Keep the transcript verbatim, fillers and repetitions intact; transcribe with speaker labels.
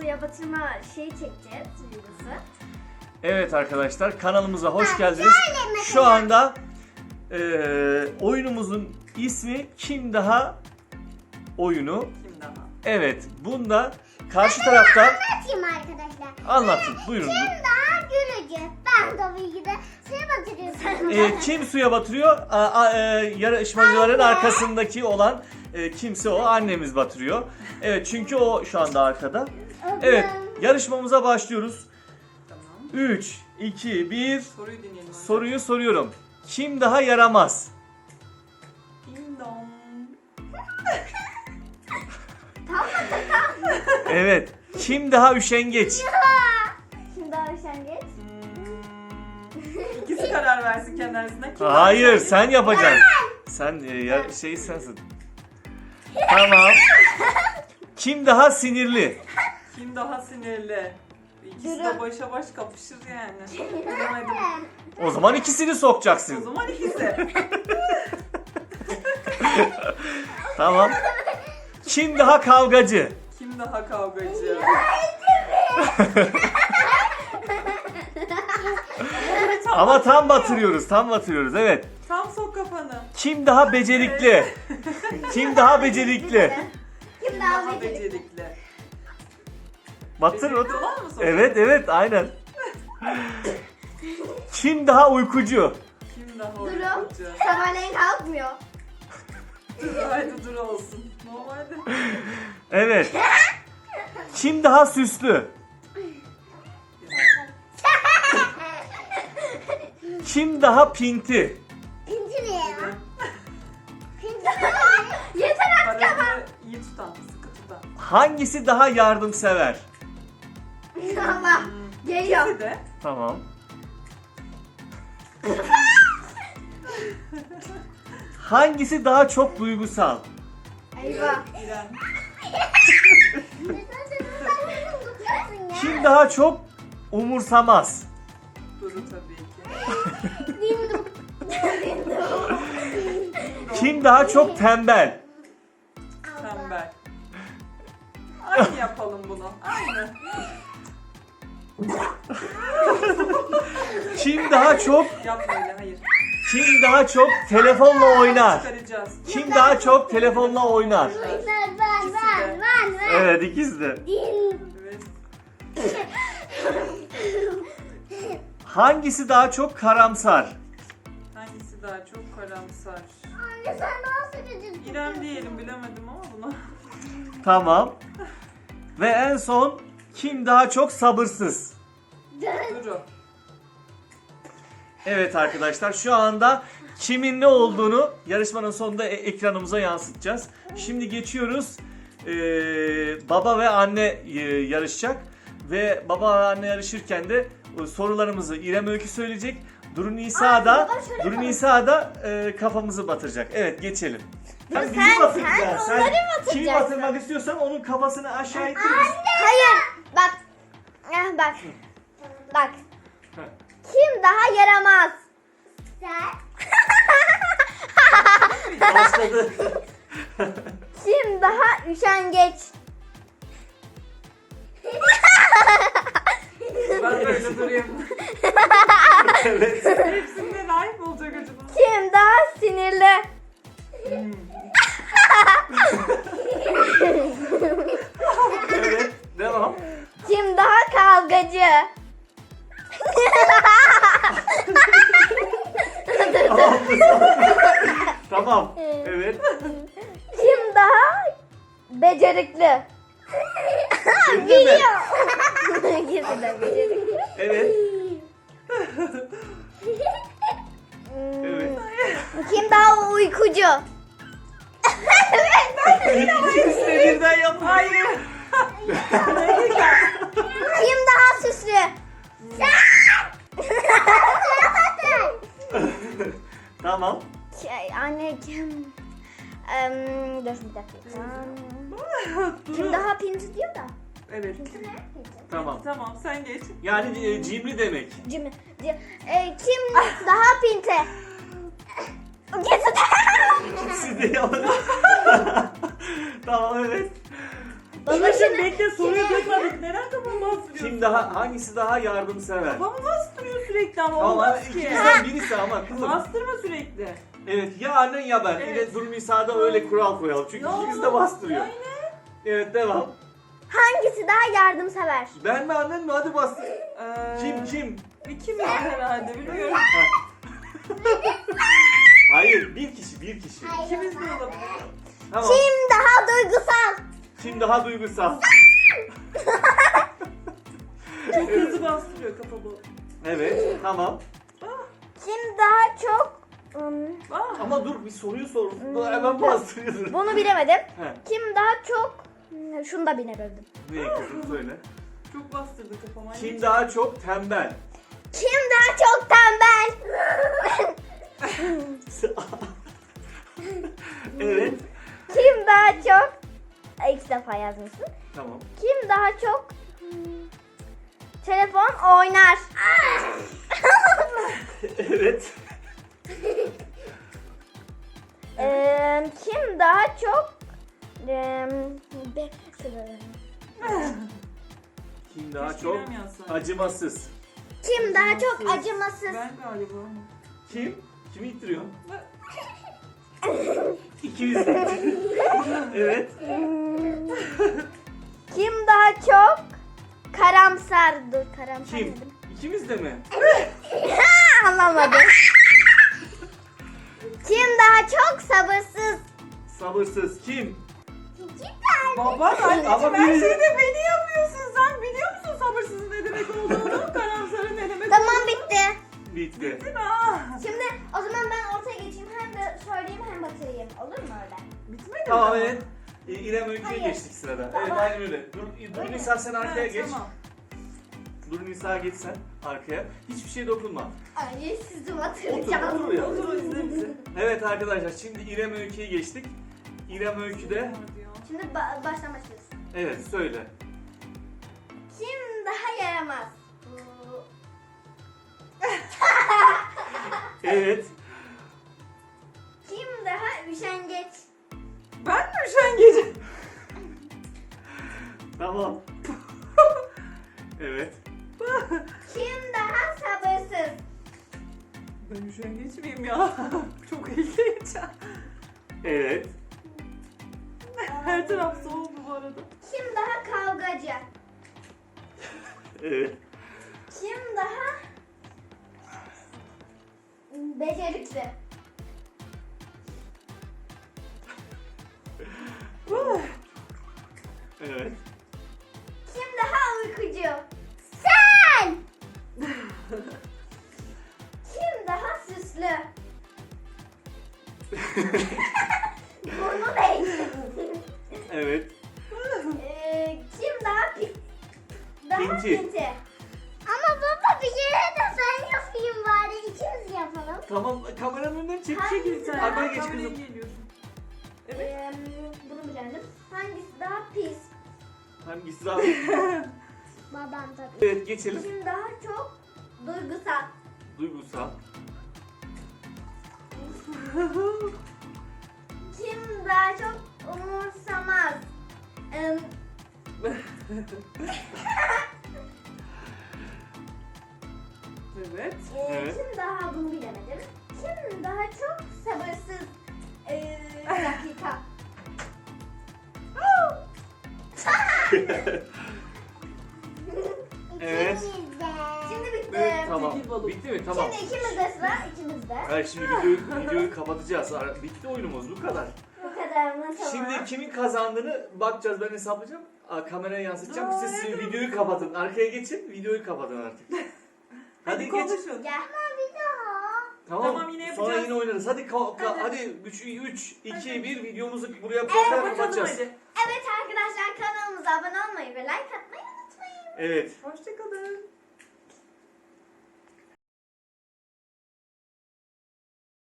Speaker 1: suya batırma şeyi çekeceğiz videosu.
Speaker 2: Evet arkadaşlar, kanalımıza hoş geldiniz. Şu anda e, oyunumuzun ismi Kim Daha oyunu.
Speaker 3: Kim daha?
Speaker 2: Evet, bunda karşı tarafta
Speaker 4: Anlatayım arkadaşlar.
Speaker 2: anlatın. Buyurun.
Speaker 4: Kim daha gülücü? Ben tabii ki de suya batırıyorum.
Speaker 2: E, kim suya batırıyor? A, a, e, yarışmacıların arkasındaki olan e, kimse o. Annemiz batırıyor. Evet, çünkü o şu anda arkada. Evet, yarışmamıza başlıyoruz.
Speaker 3: Tamam.
Speaker 2: üç, iki, bir.
Speaker 3: Soruyu dinleyelim. önce.
Speaker 2: Soruyu soruyorum. Kim daha yaramaz?
Speaker 3: Ding dong.
Speaker 2: Evet. Kim daha üşengeç?
Speaker 1: Şimdi daha üşengeç.
Speaker 3: Hmm. İkisi karar versin kendi arasında. Kim
Speaker 2: Hayır,
Speaker 3: daha
Speaker 2: sen yapacaksın. Sen e, ya, şey sensin. Tamam. Kim daha sinirli?
Speaker 3: Kim daha sinirli? İkisi
Speaker 1: Duru.
Speaker 3: de başa baş kapışır yani. Bilemedim.
Speaker 2: O zaman ikisini
Speaker 3: O
Speaker 2: sokacaksın.
Speaker 3: zaman ikisi.
Speaker 2: Tamam. Kim daha kavgacı?
Speaker 3: Kim daha kavgacı?
Speaker 2: Ama tam batırıyoruz, tam batırıyoruz. Evet.
Speaker 3: Tam sok kafanı.
Speaker 2: Kim daha becerikli? Kim daha becerikli?
Speaker 1: Kim
Speaker 3: Kim
Speaker 1: daha
Speaker 3: daha
Speaker 1: becerikli?
Speaker 3: becerikli?
Speaker 2: Batır.
Speaker 3: Becerikli olan mı sok?
Speaker 2: Evet, evet, aynen. Kim daha uykucu?
Speaker 3: Kim daha
Speaker 1: Duru.
Speaker 3: uykucu?
Speaker 1: Sabahleyin kalkmıyor.
Speaker 3: Duru, haydi Duru olsun. Normalde.
Speaker 2: Evet. Kim daha süslü? Kim daha pinti?
Speaker 4: Pinti ne ya?
Speaker 1: Yeter artık ama.
Speaker 3: Parasını iyi tutan, sıkı tutan.
Speaker 2: Hangisi daha yardımsever?
Speaker 1: Allah. Geliyor.
Speaker 3: İkisi de.
Speaker 2: Tamam. Hangisi daha çok duygusal?
Speaker 1: Eyvah.
Speaker 3: İrem.
Speaker 2: Kim daha çok umursamaz?
Speaker 3: Duru tabii ki.
Speaker 2: Kim daha çok tembel?
Speaker 3: Tembel. Aynı yapalım bunu. Aynı.
Speaker 2: Kim daha çok
Speaker 3: Yapma öyle, hayır.
Speaker 2: kim daha çok telefonla oynar?
Speaker 3: Çıkaracağız.
Speaker 2: Kim daha çok telefonla oynar?
Speaker 4: Ben ben ben ben ben.
Speaker 2: Evet, ikisi de.
Speaker 3: Evet.
Speaker 2: Hangisi daha çok karamsar?
Speaker 3: Hangisi daha çok karamsar?
Speaker 4: Anne sen daha sıkıcı.
Speaker 3: İrem diyelim, bilemedim ama bunu.
Speaker 2: Tamam. Ve en son kim daha çok sabırsız?
Speaker 3: Duru.
Speaker 2: Evet arkadaşlar, şu anda kimin ne olduğunu yarışmanın sonunda e- ekranımıza yansıtacağız. Şimdi geçiyoruz. Ee, baba ve anne e, yarışacak. Ve baba ve anne yarışırken de e, sorularımızı İrem Öykü söyleyecek. Duru Nisa da Duru Nisa da e, kafamızı batıracak. Evet, geçelim. Sen bizi
Speaker 1: sen-
Speaker 2: batıracaksın.
Speaker 1: sen onları
Speaker 2: Kimi
Speaker 1: batıracaksın.
Speaker 2: batırmak istiyorsan onun kafasını aşağı ittir.
Speaker 1: Hayır. Bak. Eh, bak. Bak. Kim daha yaramaz?
Speaker 4: Sen.
Speaker 2: Başladı.
Speaker 1: Kim daha üşengeç?
Speaker 3: Ben böyle durayım.
Speaker 2: Evet.
Speaker 3: Hepsinde layık mı olacak acaba?
Speaker 1: Kim daha sinirli?
Speaker 3: Hmm.
Speaker 2: Evet. Devam.
Speaker 1: Kim daha kavgacı?
Speaker 2: Tamam. Evet.
Speaker 1: Kim daha becerikli?
Speaker 2: Bildin mi?
Speaker 1: İkisi de becerikli.
Speaker 2: Evet.
Speaker 1: Hmm,
Speaker 2: Evet.
Speaker 1: Kim daha uykucu?
Speaker 2: İkisi de birden yapın.
Speaker 3: Hayır.
Speaker 1: Kim daha süslü?
Speaker 2: Tamam.
Speaker 1: Şey, anne kim? Em, dur bir dakika. Kim daha pinti diyor da?
Speaker 3: Evet.
Speaker 2: Tamam.
Speaker 3: Tamam, sen geç.
Speaker 2: Yani e, cimri demek.
Speaker 1: Cim, cim, e, kim daha pinti? İkisi de.
Speaker 2: İkisi de yapın. Tamam, evet.
Speaker 3: Babacım bekle soruyu duymadık. Neden kafamı bastırıyorsun?
Speaker 2: Kim daha hangisi daha yardımsever?
Speaker 3: Kafamı bastırıyor sürekli ama
Speaker 2: Tamam
Speaker 3: olmaz
Speaker 2: hadi
Speaker 3: ki.
Speaker 2: ikimizden birisi ama kızım.
Speaker 3: Bastırma sürekli.
Speaker 2: Evet ya annen ya ben.
Speaker 3: Evet.
Speaker 2: Evet. Durum İsa'da öyle kural koyalım. Çünkü
Speaker 3: Ya,
Speaker 2: ikimiz de bastırıyor.
Speaker 3: yani.
Speaker 2: Evet devam.
Speaker 1: Hangisi daha yardımsever?
Speaker 2: Ben mi annen mi? Hadi bastır.
Speaker 3: Ee,
Speaker 2: Kim kim?
Speaker 3: İkimiz herhalde bilmiyorum.
Speaker 2: Hayır bir kişi bir kişi.
Speaker 3: İkimiz de olabilir.
Speaker 2: Tamam.
Speaker 1: Kim daha duygusal?
Speaker 2: Kim daha duygusal?
Speaker 3: Çok hızlı bastırıyor kafamı.
Speaker 2: Evet tamam.
Speaker 1: Kim daha çok... Hmm,
Speaker 3: Ah,
Speaker 2: Ama dur bir soruyu sor. Hemen bastırıyorsun.
Speaker 1: bunu bilemedim.
Speaker 2: He.
Speaker 1: Kim daha çok... Hmm, Şunu da bilemedim.
Speaker 2: Ne kızım söyle.
Speaker 3: çok bastırdı kafama.
Speaker 2: Kim daha çok tembel?
Speaker 1: Kim daha çok tembel?
Speaker 2: Evet.
Speaker 1: Kim daha çok... Ay, İlk defa yazmışsın.
Speaker 2: Tamam.
Speaker 1: Kim daha çok... hmm, telefon oynar?
Speaker 2: Evet.
Speaker 1: Ee, kim daha çok... Ee, be-
Speaker 2: Kim daha
Speaker 3: Keşke
Speaker 2: çok
Speaker 3: İrem yazsaydı.
Speaker 2: acımasız?
Speaker 1: Kim daha çok acımasız?
Speaker 3: Ben galiba.
Speaker 2: Kim? Kimi ittiriyor? İkimiz de. Evet.
Speaker 1: Hmm, kim daha çok karamsar? Dur, karamsar
Speaker 2: Kim?
Speaker 1: dedim.
Speaker 2: İkimiz de mi?
Speaker 1: Ha, anlamadım. Kim daha çok sabırsız?
Speaker 2: Sabırsız. Kim?
Speaker 3: Baba anneciğim
Speaker 2: Ama
Speaker 3: her
Speaker 2: biri-
Speaker 3: şeyde beni yapıyorsun sen. Biliyor musun sabırsızın ne demek olduğunu? Karamsarın ne demek
Speaker 1: Tamam,
Speaker 3: olduğunu.
Speaker 1: bitti.
Speaker 2: Bitti.
Speaker 3: Ah,
Speaker 1: Şimdi o zaman ben ortaya geçeyim, hem de söyleyeyim hem batırayım. Olur mu öyle?
Speaker 3: bitmedi mi?
Speaker 2: Tamam evet. İ- İrem Öykü'ye
Speaker 1: Hayır.
Speaker 2: geçtik sırada.
Speaker 1: Tamam.
Speaker 2: Evet aynen öyle. Dur, dur
Speaker 1: Öyle.
Speaker 2: Nisa sen arkaya
Speaker 3: Evet,
Speaker 2: geç.
Speaker 3: Tamam.
Speaker 2: Dur Nisa geç sen arkaya. Hiçbir şeye dokunma.
Speaker 1: Ay, sizi
Speaker 2: Otur,
Speaker 1: batıracağım.
Speaker 2: otur ya.
Speaker 3: Otur izle bizi.
Speaker 2: Evet arkadaşlar şimdi İrem Öykü'ye geçtik. İrem Öykü'de
Speaker 1: Şimdi ba- baştan başlıyoruz.
Speaker 2: evet söyle.
Speaker 1: Kim daha yaramaz?
Speaker 2: Evet.
Speaker 1: Kim daha üşengeç?
Speaker 3: Ben mi üşengecim?
Speaker 2: Tamam. Evet.
Speaker 1: Kim daha sabırsız?
Speaker 3: Ben üşengeç miyim ya? Çok ilginç.
Speaker 2: Evet.
Speaker 3: Her taraf soğuk bu arada.
Speaker 1: Kim daha kavgacı?
Speaker 2: Evet.
Speaker 1: Kim daha becerikli?
Speaker 2: Evet.
Speaker 1: Kim daha uykucu? Sen! Kim daha süslü? Burnu değil.
Speaker 2: Evet.
Speaker 1: Ee, kim daha pi daha
Speaker 2: Pinti.
Speaker 1: pinti?
Speaker 4: Ama baba bir yere de ben yapayım bari ikimiz yapalım.
Speaker 2: Tamam kameranın önünden çek
Speaker 1: Hangisi
Speaker 2: çek.
Speaker 1: daha-
Speaker 2: Arkaya geç
Speaker 3: Kameraya
Speaker 2: kızım.
Speaker 3: geliyorsun.
Speaker 1: Ee, bunu bilemedim. Hangisi daha pis?
Speaker 2: Hangisi daha?
Speaker 4: Babam tabii.
Speaker 2: Evet geçelim.
Speaker 1: Kim daha çok duygusal?
Speaker 2: Duygusal.
Speaker 1: Kim daha çok umursamaz? Ee,
Speaker 3: Evet.
Speaker 1: e,
Speaker 2: Evet.
Speaker 1: Kim daha, bunu bilemedim. Kim daha çok sabırsız? Ee, bir dakika.
Speaker 2: Evet.
Speaker 4: İkimiz de.
Speaker 1: Şimdi bitti.
Speaker 2: Evet, tamam.
Speaker 3: Çekil balık.
Speaker 2: Bitti mi? Tamam.
Speaker 1: Şimdi ikimizde sıra, ikimizde.
Speaker 2: Hayır şimdi videoyu, videoyu kapatacağız. Ara- Bitti oyunumuz bu kadar.
Speaker 1: Bu kadar mı? Tamam.
Speaker 2: Şimdi kimin kazandığını bakacağız, ben hesaplayacağım. Aa, kameraya yansıtacağım.
Speaker 3: Aa,
Speaker 2: Siz
Speaker 3: evet.
Speaker 2: videoyu kapatın. Arkaya geçin, videoyu kapatın artık. Hadi geç.
Speaker 3: konuşun.
Speaker 1: Gel.
Speaker 4: Bir daha.
Speaker 2: Tamam.
Speaker 3: Tamam, yine
Speaker 2: Sonra
Speaker 3: yapacağız.
Speaker 2: yine oynarız. Hadi ka- ka-
Speaker 3: Hadi.
Speaker 2: hadi üç iki bir videomuzu buraya
Speaker 3: Evet,
Speaker 2: koyalım,
Speaker 3: bakalım
Speaker 2: kapatacağız.
Speaker 3: hadi.
Speaker 1: Evet arkadaşlar, kanalımıza abone olmayı ve like atmayı unutmayın.
Speaker 2: Evet.
Speaker 3: Hoşçakalın.